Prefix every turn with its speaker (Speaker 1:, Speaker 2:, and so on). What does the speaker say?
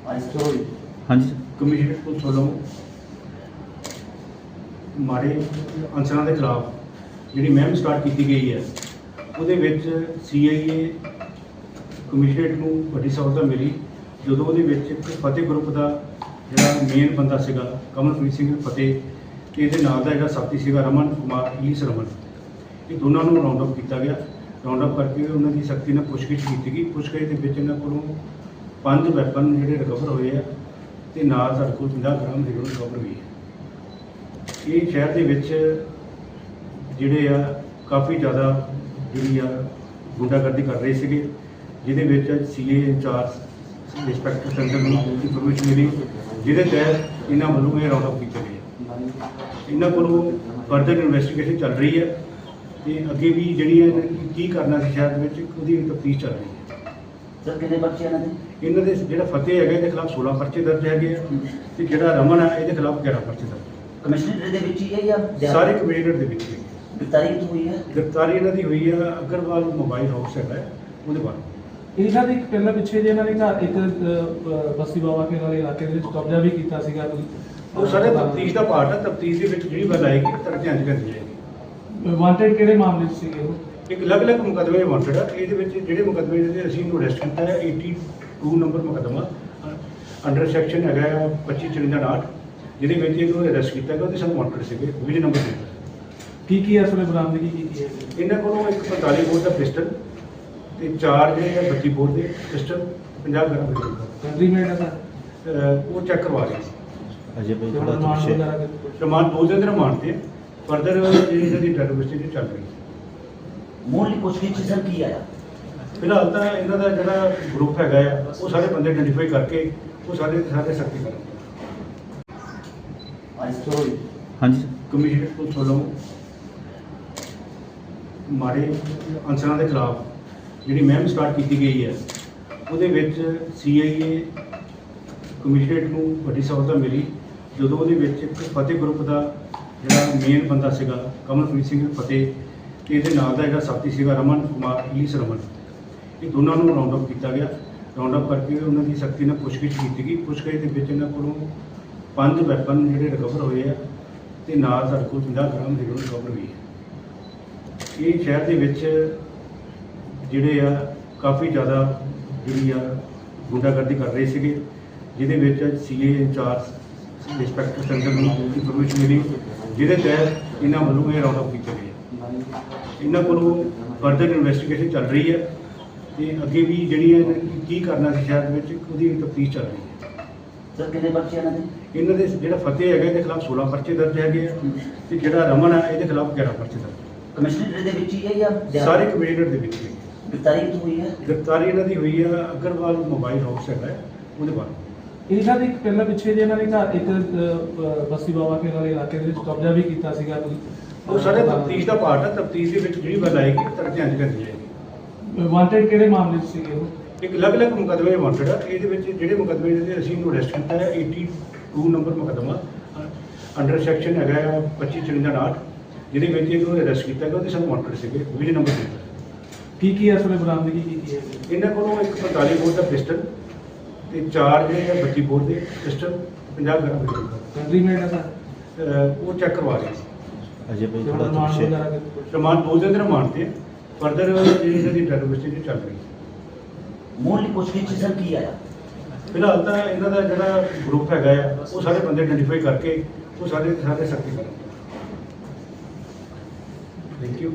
Speaker 1: हाँ जी
Speaker 2: commissioner police ਵੱਲੋਂ ਮਾੜੇ ਅਨਸਰਾਂ ਦੇ ਖਿਲਾਫ ਜਿਹੜੀ ਮੁਹਿੰਮ ਸਟਾਰਟ ਕੀਤੀ ਗਈ ਹੈ ਉਹਦੇ ਵਿੱਚ ਸੀਆਈਏ ਕਮਿਸ਼ਨਰੇਟ ਨੂੰ ਵੱਡੀ ਸਫਲਤਾ ਮਿਲੀ ਜਦੋਂ ਉਹਦੇ ਵਿੱਚ ਇੱਕ ਫਤਿਹ ਗਰੁੱਪ ਦਾ ਜਿਹੜਾ ਮੇਨ ਬੰਦਾ ਸੀਗਾ ਕਮਲਪ੍ਰੀਤ ਸਿੰਘ ਫਤਿਹ ਤੇ ਇਹਦੇ ਨਾਲ ਦਾ ਜਿਹੜਾ ਸਾਥੀ ਸੀਗਾ ਰਮਨ ਕੁਮਾਰ ਈਸ ਰਮਨ, ਇਹ ਦੋਨਾਂ ਨੂੰ ਰਾਉਂਡ ਅਪ ਕੀਤਾ ਗਿਆ। ਰਾਉਂਡ ਅਪ ਕਰਕੇ ਉਹਨਾਂ ਦੀ ਸਖਤੀ ਨਾਲ ਪੁੱਛਗਿੱਛ ਕੀਤੀ ਗਈ। ਪੁੱਛਗਿੱਛ ਦੇ ਵਿੱਚ ਇਹਨਾਂ ਕੋਲੋਂ 5 ਵੈਪਨ ਜਿਹੜੇ ਰਿਕਵਰ ਹੋਏ ਆ ਤੇ ਨਾਲ ਸਾਡੇ ਕੋਲ 50 ਗ੍ਰਾਮ ਹੀਰੋਇਨ ਰਿਕਵਰ ਹੋਈ ਹੈ। ਇਹ ਸ਼ਹਿਰ ਦੇ ਵਿੱਚ ਜਿਹੜੇ ਆ ਕਾਫੀ ਜ਼ਿਆਦਾ ਜਿਹੜੀ ਆ ਗੁੰਡਾਗਰਦੀ ਕਰ ਰਹੇ ਸੀਗੇ, ਜਿਹਦੇ ਵਿੱਚ ਸੀਏ ਇੰਚਾਰਜ ਇੰਸਪੈਕਟਰ ਸੈਂਟਰ ਨੂੰ ਇਨਫੋਰਮੇਸ਼ਨ ਮਿਲੀ, ਜਿਹਦੇ ਤਹਿਤ ਇਹਨਾਂ ਵੱਲੋਂ ਇਹ ਰਾਉਂਡ ਅਪ ਕੀਤਾ ਗਿਆ। ਇਹਨਾਂ ਕੋਲੋਂ ਫਰਦਰ ਇਨਵੈਸਟੀਗੇਸ਼ਨ ਚੱਲ ਰਹੀ ਹੈ ਤੇ ਅੱਗੇ ਵੀ ਜਿਹੜੀ ਹੈ ਕੀ ਕਰਨਾ ਸੀ ਸ਼ਹਿਰ ਦੇ ਵਿੱਚ ਉਹਦੀ ਤਫਤੀਸ਼ ਚੱਲ ਰਹੀ ਹੈ।
Speaker 3: ਸਰ ਕਿੰਨੇ ਬੱਚੇ
Speaker 2: ਇਹਨਾਂ ਦੇ ਜਿਹੜਾ ਫਤਿਹ ਹੈਗਾ ਇਹਦੇ ਖਿਲਾਫ 16 ਪਰਚੇ ਦਰਜ ਹੈਗੇ ਆ ਤੇ ਜਿਹੜਾ ਰਮਨ ਹੈ ਇਹਦੇ ਖਿਲਾਫ 11 ਪਰਚੇ ਦਰਜ।
Speaker 3: ਕਮਿਸ਼ਨਰ ਦੇ ਵਿੱਚ ਹੀ ਹੈ ਜਾਂ
Speaker 2: ਸਾਰੇ ਕਮਿਸ਼ਨਰ ਦੇ ਵਿੱਚ ਹੀ।
Speaker 3: ਗ੍ਰਿਫਤਾਰੀ ਕਿੱਥੋਂ ਹੋਈ ਹੈ?
Speaker 2: ਗ੍ਰਿਫਤਾਰੀ ਇਹਨਾਂ ਦੀ ਹੋਈ ਆ ਅਗਰਵਾਲ ਮੋਬਾਈਲ ਹਾਊਸ ਹੈਗਾ ਉਹਦੇ ਬਾਰੇ।
Speaker 4: ਇਹਨਾਂ ਦੇ ਇੱਕ ਪਹਿਲਾਂ ਪਿੱਛੇ ਜੇ ਇਹਨਾਂ ਨੇ ਘਰ ਇੱਕ ਬਸਤੀ ਬਾਬਾ ਕੇ ਵਾਲੇ ਇਲਾਕੇ ਦੇ ਵਿੱਚ ਕਬਜ਼ਾ ਵੀ ਕੀਤਾ ਸੀਗਾ ਕੋਈ।
Speaker 2: ਉਹ ਸਾਰੇ ਤਫਤੀਸ਼ ਦਾ ਪਾਰਟ ਹੈ। ਤਫਤੀਸ਼ ਦੇ ਵਿੱਚ ਜਿਹੜੀ ਗੱਲ ਆਏਗੀ ਤੁਹਾਡੇ ਧਿਆਨ 'ਚ ਕਰਨੀ ਜਾਏਗੀ।
Speaker 4: ਵਾਂਟਡ ਕਿਹੜੇ ਮਾਮਲੇ 'ਚ ਸੀਗੇ ਉਹ?
Speaker 2: ਇੱਕ ਅਲੱਗ-ਅਲੱਗ ਮੁਕੱਦਮੇ ਵਾਂਟਡ ਆ। ਇਹਦੇ ਵਿੱਚ ਜਿਹੜੇ ਮੁਕੱਦਮੇ ਦੇ ਅਸੀਂ ਇਹਨੂੰ ਅਰੈਸਟ ਕੀਤਾ ਹੈ 82 ਨੰਬਰ ਮੁਕੱਦਮਾ ਅੰਡਰ ਸੈਕਸ਼ਨ ਹੈਗਾ 2554, ਜਿਹਦੇ ਵਿੱਚ ਇਹਨੂੰ ਅਰੈਸਟ ਕੀਤਾ ਗਿਆ। ਉਹਦੇ ਸਾਨੂੰ ਵਾਂਟਡ ਸੀਗੇ 20 ਨੰਬਰ ਦੇ।
Speaker 4: ਕੀ ਹੈ ਅਸਲੇ ਬਰਾਮਦਗੀ ਕੀ ਹੈ?
Speaker 2: ਇਹਨਾਂ ਕੋਲੋਂ ਇੱਕ 45 ਬੋਰ ਦਾ ਪਿਸਟਲ ਤੇ 4 ਜਿਹੜੇ ਆ 32 ਬੋਰ ਦੇ ਪਿਸਟਲ 50 ਗ੍ਰਾਮ ਦੇ
Speaker 4: ਕੰਟਰੀ ਮੇਡ ਹੈ ਸਰ?
Speaker 2: ਉਹ ਚੈੱਕ ਕਰਵਾ ਰਹੇ ਸੀ।
Speaker 1: अजय भाई थोड़ा
Speaker 4: ਰਿਮਾਂਡ
Speaker 1: पीछे
Speaker 4: ਵਗੈਰਾ ਕਿਤੇ?
Speaker 2: ਰਿਮਾਂਡ 2 ਦਿਨ ਦੇ ਰਿਮਾਂਡ ਤੇ ਫਰਦਰ ਜਿਹੜੀ ਇਹਨਾਂ ਦੀ ਟੈਰਰਿਸਟ ਚੱਲ ਰਹੀ ਹੈ।
Speaker 3: ਮੂਲ ਪੁੱਛਗਿੱਛ ਸਰ ਕੀ ਆਇਆ?
Speaker 2: ਫਿਲਹਾਲ ਤਾਂ ਇਹਨਾਂ ਦਾ ਜਿਹੜਾ ਗਰੁੱਪ ਹੈਗਾ ਆ ਉਹ ਸਾਰੇ ਬੰਦੇ ਆਇਡੈਂਟੀਫਾਈ ਕਰਕੇ ਉਹ ਸਾਰੇ ਸਖਤੀ ਕਰਾਂਗੇ।
Speaker 1: हाँ जी
Speaker 2: ਕਮਿਸ਼ਨਰ ਪੁਲਿਸ ਵੱਲੋਂ ਮਾੜੇ ਅਨਸਰਾਂ ਦੇ ਖਿਲਾਫ ਜਿਹੜੀ ਮੁਹਿੰਮ ਸਟਾਰਟ ਕੀਤੀ ਗਈ ਹੈ ਉਹਦੇ ਵਿੱਚ ਸੀਆਈਏ ਕਮਿਸ਼ਨਰੇਟ ਨੂੰ ਵੱਡੀ ਸਫਲਤਾ ਮਿਲੀ ਜਦੋਂ ਉਹਦੇ ਵਿੱਚ ਇੱਕ ਫਤਿਹ ਗਰੁੱਪ ਦਾ ਜਿਹੜਾ ਮੇਨ ਬੰਦਾ ਸੀਗਾ ਕਮਲਪ੍ਰੀਤ ਸਿੰਘ ਫਤਿਹ ਤੇ ਇਹਦੇ ਨਾਲ ਦਾ ਜਿਹੜਾ ਸਾਥੀ ਸੀਗਾ ਰਮਨ ਕੁਮਾਰ ਈਸ ਰਮਨ, ਇਹ ਦੋਨਾਂ ਨੂੰ ਰਾਉਂਡ ਅਪ ਕੀਤਾ ਗਿਆ। ਰਾਉਂਡ ਅਪ ਕਰਕੇ ਉਹਨਾਂ ਦੀ ਸਖਤੀ ਨਾਲ ਪੁੱਛਗਿੱਛ ਕੀਤੀ ਗਈ। ਪੁੱਛਗਿੱਛ ਦੇ ਵਿੱਚ ਇਹਨਾਂ ਕੋਲੋਂ 5 ਵੈਪਨ ਜਿਹੜੇ ਰਿਕਵਰ ਹੋਏ ਆ ਤੇ ਨਾਲ ਸਾਡੇ ਕੋਲ 50 ਗ੍ਰਾਮ ਹੀਰੋਇਨ ਰਿਕਵਰ ਹੋਈ ਹੈ। ਇਹ ਸ਼ਹਿਰ ਦੇ ਵਿੱਚ ਜਿਹੜੇ ਆ ਕਾਫੀ ਜ਼ਿਆਦਾ ਜਿਹੜੀ ਆ ਗੁੰਡਾਗਰਦੀ ਕਰ ਰਹੇ ਸੀਗੇ, ਜਿਹਦੇ ਵਿੱਚ ਸੀਏ ਇੰਚਾਰਜ ਇੰਸਪੈਕਟਰ ਸੈਂਟਰ ਨੂੰ ਇਨਫੋਰਮੇਸ਼ਨ ਮਿਲੀ, ਜਿਹਦੇ ਤਹਿਤ ਇਹਨਾਂ ਵੱਲੋਂ ਇਹ ਰਾਉਂਡ ਅਪ ਕੀਤਾ ਗਿਆ। ਇਹਨਾਂ ਕੋਲੋਂ ਫਰਦਰ ਇਨਵੈਸਟੀਗੇਸ਼ਨ ਚੱਲ ਰਹੀ ਹੈ ਤੇ ਅੱਗੇ ਵੀ ਜਿਹੜੀ ਹੈ ਕੀ ਕਰਨਾ ਸੀ ਸ਼ਹਿਰ ਦੇ ਵਿੱਚ ਉਹਦੀ ਤਫਤੀਸ਼ ਚੱਲ ਰਹੀ ਹੈ।
Speaker 3: ਸਰ ਕਿੰਨੇ ਬੱਚੇ
Speaker 2: ਇਹਨਾਂ ਦੇ ਜਿਹੜਾ ਫਤਿਹ ਹੈਗਾ ਇਹਦੇ ਖਿਲਾਫ 16 ਪਰਚੇ ਦਰਜ ਹੈਗੇ ਆ ਤੇ ਜਿਹੜਾ ਰਮਨ ਹੈ ਇਹਦੇ ਖਿਲਾਫ 11 ਪਰਚੇ ਦਰਜ।
Speaker 3: ਕਮਿਸ਼ਨਰ ਦੇ ਵਿੱਚ ਹੀ ਹੈ ਜਾਂ
Speaker 2: ਸਾਰੇ ਕਮਿਸ਼ਨਰ ਦੇ ਵਿੱਚ ਹੀ।
Speaker 3: ਗ੍ਰਿਫਤਾਰੀ ਕਿੱਥੋਂ ਹੋਈ ਹੈ?
Speaker 2: ਗ੍ਰਿਫਤਾਰੀ ਇਹਨਾਂ ਦੀ ਹੋਈ ਆ ਅਗਰਵਾਲ ਮੋਬਾਈਲ ਹਾਊਸ ਹੈਗਾ ਉਹਦੇ ਬਾਰੇ।
Speaker 4: ਇਹਨਾਂ ਦੇ ਇੱਕ ਪਹਿਲਾਂ ਪਿੱਛੇ ਜੇ ਇਹਨਾਂ ਨੇ ਘਰ ਇੱਕ ਬਸਤੀ ਬਾਬਾ ਕੇ ਵਾਲੇ ਇਲਾਕੇ ਦੇ ਵਿੱਚ ਕਬਜ਼ਾ ਵੀ ਕੀਤਾ ਸੀਗਾ ਕੋਈ।
Speaker 2: ਉਹ ਸਾਰੇ ਤਫਤੀਸ਼ ਦਾ ਪਾਰਟ ਹੈ। ਤਫਤੀਸ਼ ਦੇ ਵਿੱਚ ਜਿਹੜੀ ਗੱਲ ਆਏਗੀ ਤੁਹਾਡੇ ਧਿਆਨ 'ਚ ਕਰਨੀ ਜਾਏਗੀ।
Speaker 4: ਵਾਂਟਡ ਕਿਹੜੇ ਮਾਮਲੇ 'ਚ ਸੀਗੇ ਉਹ?
Speaker 2: ਇੱਕ ਅਲੱਗ-ਅਲੱਗ ਮੁਕੱਦਮੇ ਵਾਂਟਡ ਆ। ਇਹਦੇ ਵਿੱਚ ਜਿਹੜੇ ਮੁਕੱਦਮੇ ਦੇ ਅਸੀਂ ਇਹਨੂੰ ਅਰੈਸਟ ਕੀਤਾ ਹੈ 82 ਨੰਬਰ ਮੁਕੱਦਮਾ ਅੰਡਰ ਸੈਕਸ਼ਨ ਹੈਗਾ 2554, ਜਿਹਦੇ ਵਿੱਚ ਇਹਨੂੰ ਅਰੈਸਟ ਕੀਤਾ ਗਿਆ। ਉਹਦੇ ਸਾਨੂੰ ਵਾਂਟਡ ਸੀਗੇ 20 ਨੰਬਰ ਦੇ।
Speaker 4: ਕੀ ਹੈ ਅਸਲੇ ਬਰਾਮਦਗੀ ਕੀ ਹੈ?
Speaker 2: ਇਹਨਾਂ ਕੋਲੋਂ ਇੱਕ 45 ਬੋਰ ਦਾ ਪਿਸਟਲ ਤੇ 4 ਜਿਹੜੇ ਆ 32 ਬੋਰ ਦੇ ਪਿਸਟਲ 50 ਗ੍ਰਾਮ ਦੇ
Speaker 4: ਕੰਟਰੀ ਮੇਡ ਹੈ ਸਰ?
Speaker 2: ਉਹ ਚੈੱਕ ਕਰਵਾ ਰਹੇ ਸੀ।
Speaker 1: अजय भाई थोड़ा
Speaker 4: ਰਿਮਾਂਡ
Speaker 1: पीछे
Speaker 4: ਵਗੈਰਾ ਕਿਤੇ?
Speaker 2: ਰਿਮਾਂਡ 2 ਦਿਨ ਦੇ ਰਿਮਾਂਡ ਤੇ ਫਰਦਰ ਜਿਹੜੀ ਇਹਨਾਂ ਦੀ ਟੈਰਰਿਸਟ ਚੱਲ ਰਹੀ ਹੈ।
Speaker 3: ਮੂਲ ਪੁੱਛਗਿੱਛ ਸਰ ਕੀ ਆਇਆ?
Speaker 2: ਫਿਲਹਾਲ ਤਾਂ ਇਹਨਾਂ ਦਾ ਜਿਹੜਾ ਗਰੁੱਪ ਹੈਗਾ ਆ ਉਹ ਸਾਰੇ ਬੰਦੇ ਆਇਡੈਂਟੀਫਾਈ ਕਰਕੇ ਉਹ ਸਾਰੇ ਸਖਤੀ ਕਰਾਂਗੇ। Thank you.